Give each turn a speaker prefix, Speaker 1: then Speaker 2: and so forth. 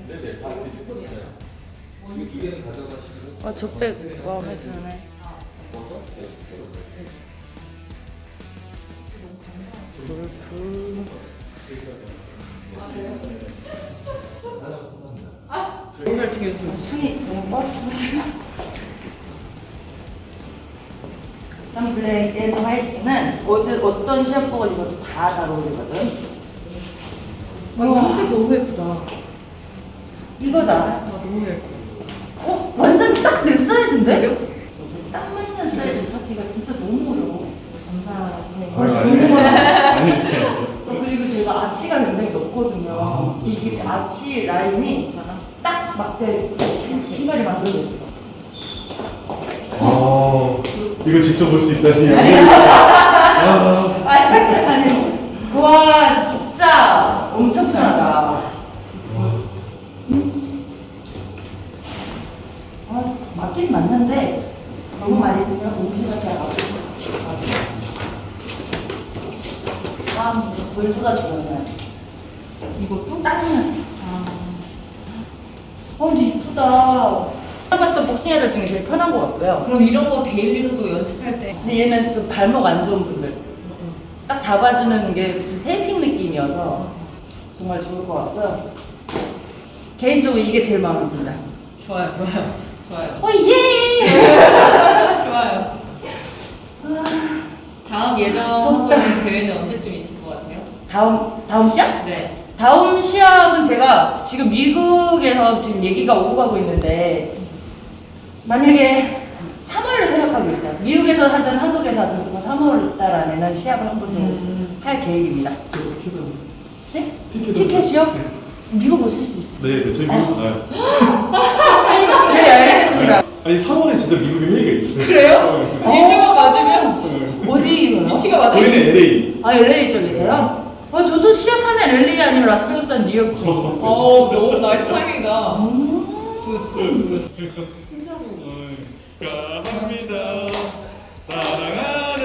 Speaker 1: 네네. 다 드시고요. 이 두 개는 가져가시고.
Speaker 2: 족백 마음에 드네. 골프.
Speaker 3: 너무 잘 챙겨줬어.
Speaker 2: 손이 너무 뻗어가지고. 블랙 앤 화이트는 어떤 시합복을 입어도 다 잘 어울리거든.
Speaker 3: 이거 흰색 너무 예쁘다.
Speaker 2: 이거다.
Speaker 3: 너무 예뻐.
Speaker 2: 완전 딱 내 사이즈인데?
Speaker 3: 지금?
Speaker 2: 딱 맞는 사이즈 찾기가 진짜 너무 어려워.
Speaker 1: 아니.
Speaker 2: 그리고 제가 아치가 굉장히 높거든요. 이게 아치 라인이 딱 맞게 신발이 만들어져 있어.
Speaker 1: 이거 직접 볼 수 있다니.
Speaker 2: 아니, 와 진짜 엄청 편하다. 맞긴 맞는데 너무 많이 들면 움찔하게 하고. 볼트가 좋았네. 이것도 딱이었어. 근데 이쁘다. 해봤던 복싱 애들 중에 제일 편한 것 같고요.
Speaker 3: 그럼 이런 거 데일리로도 연습할 때.
Speaker 2: 근데 얘는 좀 발목 안 좋은 분들 딱 잡아주는 게 무슨 테이핑 느낌이어서 정말 좋을 것 같고요. 개인적으로 이게 제일 마음에 듭니다.
Speaker 3: 좋아요. 좋아요.
Speaker 2: 예!
Speaker 3: 좋아요. 다음 예정하고 있는 대회는 언제쯤 있을 것 같아요?
Speaker 2: 다음 시합?
Speaker 3: 네.
Speaker 2: 다음 시합은 제가 지금 미국에서 지금 얘기가 오고 가고 있는데 만약에 3월을 생각하고 있어요. 미국에서 하든 한국에서 하든 3월 달 안에는 시합을 한 번 더 할 계획입니다. 네? 티켓이요? 미국 오실 수 있어요.
Speaker 1: 네, 저희 미국 가요.
Speaker 2: 네, 알겠습니다.
Speaker 1: 아니 3월에 진짜 미국에 회의가 있어요.
Speaker 2: 그래요?
Speaker 3: 일정만 맞으면
Speaker 2: 어디로요?
Speaker 3: 위치가 맞아요.
Speaker 1: 저희는 LA.
Speaker 2: LA 쪽이세요? 저도 시합하면 LA 아니면 라스베가스 아니면 뉴욕 쪽.
Speaker 3: 너무 나이스 타이밍이다.
Speaker 1: 감사합니다. 사랑하는